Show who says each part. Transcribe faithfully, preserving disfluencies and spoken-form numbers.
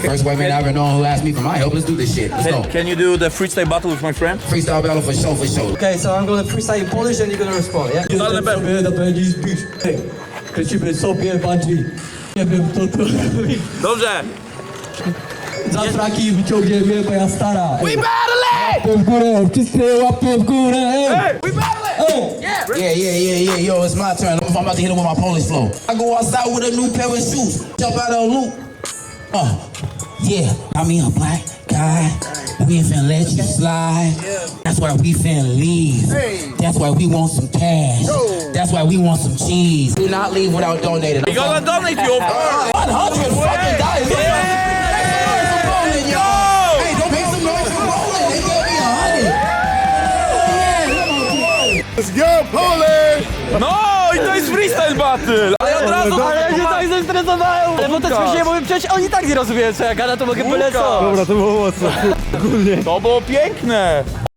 Speaker 1: First white man I ever known who asked me for my help. Let's do this shit. Let's go.
Speaker 2: Can, can you do the freestyle battle with my friend?
Speaker 1: Freestyle battle for sure, for sure.
Speaker 3: Okay, so I'm gonna freestyle in Polish and you're gonna respond, yeah?
Speaker 2: Totalne
Speaker 3: Jestem sobie na pewno zbisz. Hej, kręcimy sobie bungee. Nie wiem, co to robi.
Speaker 2: Dobrze.
Speaker 3: Za fraki wyciągniemy, bo ja stara.
Speaker 2: We battle!
Speaker 3: Łapy w górę, wszyscy łapy w górę.
Speaker 2: Hey, we battle!
Speaker 3: Ej!
Speaker 2: Yeah.
Speaker 1: Yeah, yeah, yeah, yeah. Yo, it's my turn. I'm about to hit him with my Polish flow. I go outside with a new pair of shoes. Jump out of a loop. Uh, yeah. I mean, a black guy. We ain't finna let you slide. That's why we finna leave. That's why we want some cash. That's why we want some cheese. Do not leave without donating.
Speaker 2: We gonna donate you.
Speaker 1: one hundred fucking dollars. Hey, don't make some noise for rolling. They gave me a hundred.
Speaker 4: Let's go, Polish!
Speaker 2: No i to jest freestyle battle! Ale ja od razu...
Speaker 3: Ale ja się tak zestresowałem! Ale bo to śmiesznie, bo przecież oni tak nie rozumieją, co ja gada, to mogę polecać.
Speaker 4: Dobra, to było mocno. Ogólnie.
Speaker 2: To było piękne!